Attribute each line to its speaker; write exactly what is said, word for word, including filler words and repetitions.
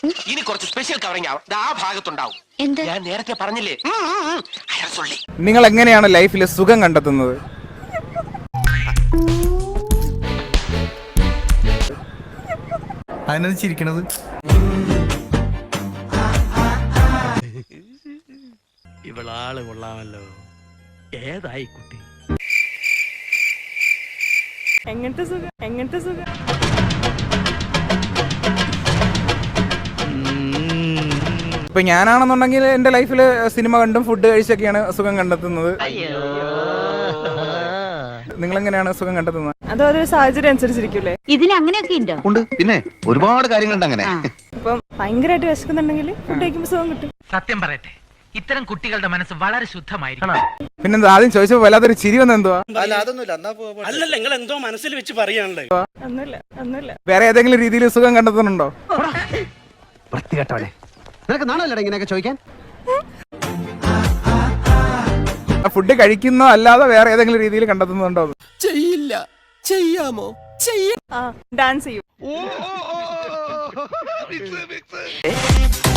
Speaker 1: ഇനി കുറച്ച് special covering ആവും ആ ഭാഗത്തുണ്ടാവും. ഞാൻ നേരത്തെ പറഞ്ഞില്ലേ,
Speaker 2: നിങ്ങൾ എങ്ങനെയാണ് ലൈഫിൽ സുഖം കണ്ടെത്തുന്നത്?
Speaker 3: അതിനത് ചിരിക്കണത്
Speaker 4: ഇവളാള് കൊള്ളാമല്ലോ. ഏതായി കുട്ടി?
Speaker 5: എങ്ങനത്തെ സുഖം? എങ്ങനത്തെ സുഖം?
Speaker 2: ഇപ്പൊ ഞാനാണെന്നുണ്ടെങ്കിൽ എന്റെ ലൈഫിൽ സിനിമ കണ്ടും ഫുഡ് കഴിച്ചൊക്കെയാണ് സുഖം കണ്ടെത്തുന്നത്. നിങ്ങൾ എങ്ങനെയാണ് സുഖം കണ്ടെത്തുന്നത്?
Speaker 5: അതോ അതൊരു സാഹചര്യം അനുസരിച്ചിരിക്കൂലേ?
Speaker 6: ഇതിന് അങ്ങനെയൊക്കെ ഉണ്ടോ?
Speaker 3: ഉണ്ട്, പിന്നെ ഒരുപാട് കാര്യങ്ങളുണ്ട് അങ്ങനെ.
Speaker 5: ഇപ്പം ഭയങ്കരമായിട്ട് വിശക്കുന്നുണ്ടെങ്കിൽ ഫുഡ് കഴിക്കുമ്പോൾ സുഖം കിട്ടും.
Speaker 7: സത്യം പറയട്ടെ, ഇത്തരം കുട്ടികളുടെ മനസ്സ് വളരെ ശുദ്ധമായിരിക്കണം.
Speaker 2: പിന്നെന്താ ആദ്യം ചോദിച്ചപ്പോ വല്ലാത്തൊരു ചിരി വന്ന എന്തുവാ?
Speaker 4: അല്ലല്ല, നിങ്ങൾ എന്തോ മനസ്സിൽ വെച്ച് പറയാണല്ലേ.
Speaker 5: ഒന്നുമില്ല, ഒന്നുമില്ല.
Speaker 2: വേറെ ഏതെങ്കിലും രീതിയിൽ സുഖം കണ്ടെത്തുന്നുണ്ടോ?
Speaker 3: വൃത്തികെട്ടവളെ, നിനക്ക് നാണല്ലടാ ഇങ്ങനെയൊക്കെ ചോദിക്കാൻ?
Speaker 2: ഫുഡ് കഴിക്കുന്നോ അല്ലാതെ വേറെ ഏതെങ്കിലും രീതിയിൽ കണ്ടെത്തുന്നുണ്ടോ?
Speaker 8: ചെയ്യില്ല. ചെയ്യാമോ? ചെയ്യ
Speaker 5: ആ ഡാൻസ് ചെയ്യും.